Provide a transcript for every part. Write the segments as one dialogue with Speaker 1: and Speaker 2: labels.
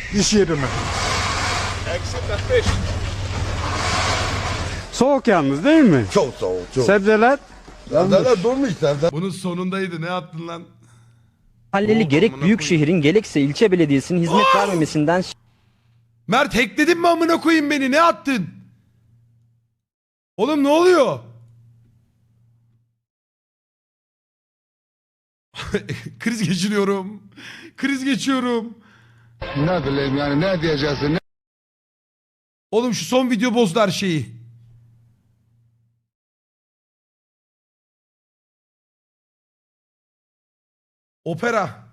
Speaker 1: İş yeri mi?
Speaker 2: Exit the fish.
Speaker 1: Soğuk yalnız değil mi?
Speaker 3: Çok soğuk, çok.
Speaker 1: Sebzeler
Speaker 3: Sebzeler durmuş, sebze.
Speaker 4: Bunun sonundaydı, ne attın lan?
Speaker 5: Mahalleli
Speaker 4: Oo,
Speaker 5: gerek
Speaker 4: amına
Speaker 5: büyük
Speaker 4: koyayım.
Speaker 5: şehrin gerekse ilçe belediyesinin hizmet vermemesinden
Speaker 4: Mert hackledin mi amına koyayım beni, ne attın? Oğlum ne oluyor? Kriz geçiriyorum. Kriz geçiyorum.
Speaker 3: Ne bileyim yani, ne diyeceksin, ne?
Speaker 4: Oğlum şu son video bozdu her şeyi. Opera.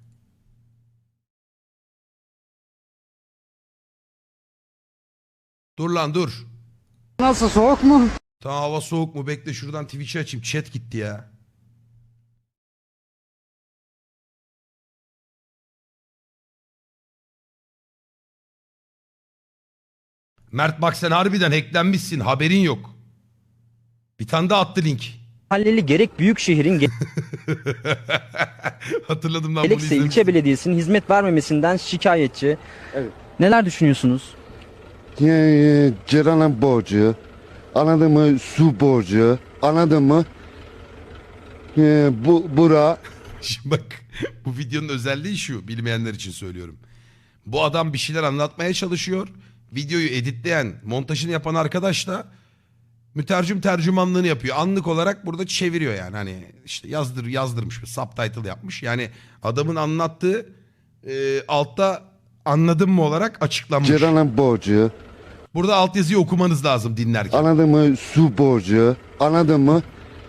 Speaker 4: Dur lan dur.
Speaker 1: nasıl, soğuk mu?
Speaker 4: Tamam, hava soğuk mu? Bekle şuradan Twitch'i açayım. Chat gitti ya. Mert bak sen harbiden hacklenmişsin. Haberin yok. Bir tane daha attı link.
Speaker 5: mahalleli gerek büyük şehrin
Speaker 4: Hatırladım lan bunu
Speaker 5: gerekse ilçe
Speaker 4: izlemiştim.
Speaker 5: belediyesinin hizmet vermemesinden şikayetçi.
Speaker 1: Evet.
Speaker 5: Neler düşünüyorsunuz?
Speaker 3: Ciranın borcu, anladın mı? Su borcu, anladın mı? Bura.
Speaker 4: Şimdi bak bu videonun özelliği şu, bilmeyenler için söylüyorum. Bu adam bir şeyler anlatmaya çalışıyor. Videoyu editleyen, montajını yapan arkadaş da mütercim tercümanlığını yapıyor. Anlık olarak burada çeviriyor yani. Hani işte yazdırmış bir subtitle yapmış. Yani adamın anlattığı altta anladın mı olarak açıklanmış.
Speaker 3: Ciranın borcu,
Speaker 4: Burada altyazıyı okumanız lazım dinlerken.
Speaker 3: anladın mı? Su borcu, anladın mı?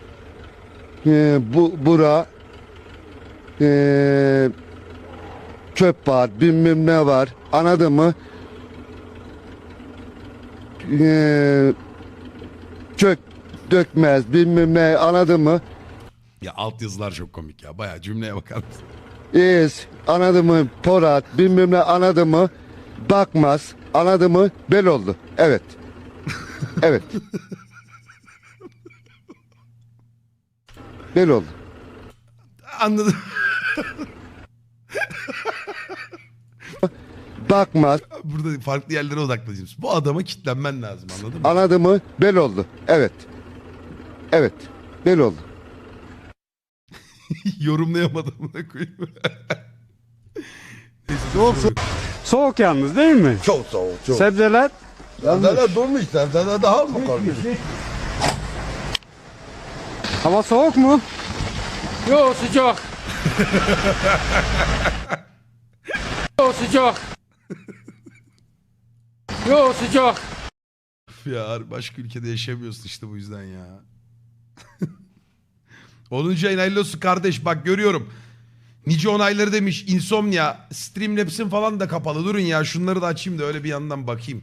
Speaker 3: Bura. Çöp var, bilmem ne var, anladın mı? Çök dökmez, bilmem ne, anladın mı?
Speaker 4: Ya altyazılar çok komik ya. Bayağı cümleye bakar mısın?
Speaker 3: Anladın mı? Porat, bilmem ne, anladın mı? Bakmaz, anladın mı? Bel oldu. Evet. Evet. Bel oldu.
Speaker 4: Anladım.
Speaker 3: Bakmaz,
Speaker 4: Burada farklı yerlere odaklanacağım. Bu adama kitlenmen lazım, anladın mı?
Speaker 3: anladın mı? Bel oldu. Evet. Evet. Bel oldu.
Speaker 4: Yorumlayamadım buna koyayım.
Speaker 1: Soğuk yalnız değil mi?
Speaker 3: Çok soğuk, çok.
Speaker 1: Sebzeler
Speaker 3: Sebzeler durmuş, sebzeler daha mı kalmış?
Speaker 1: hava soğuk mu?
Speaker 6: Yo sıcak. Yo sıcak. Yo sıcak.
Speaker 4: Ya başka ülkede yaşamıyorsun işte bu yüzden ya. 10. ayın hayırlı olsun kardeş, bak görüyorum. Nice onayları demiş. Insomnia. Streamlabs'in falan da kapalı. Durun ya şunları da açayım da öyle bir yandan bakayım.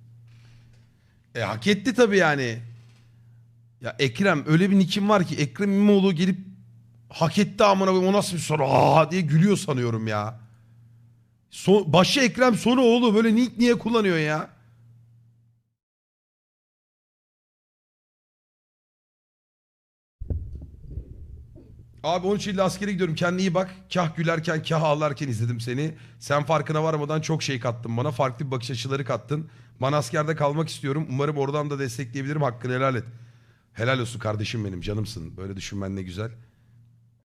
Speaker 4: Hak etti tabii yani. Ya Ekrem, öyle bir nickim var ki Ekrem İmamoğlu gelip hak etti amına koyayım, o nasıl bir soru diye gülüyor sanıyorum ya. Başı Ekrem sonu oğlu, böyle nick niye kullanıyor ya? Abi 13 Eylül'de askere gidiyorum. Kendine iyi bak. Kah gülerken kah ağlarken izledim seni. Sen farkına varmadan çok şey kattın bana. Farklı bir bakış açıları kattın. Ben askerde kalmak istiyorum. Umarım oradan da destekleyebilirim. Hakkını helal et. Helal olsun kardeşim benim. Canımsın. Böyle düşünmen ne güzel.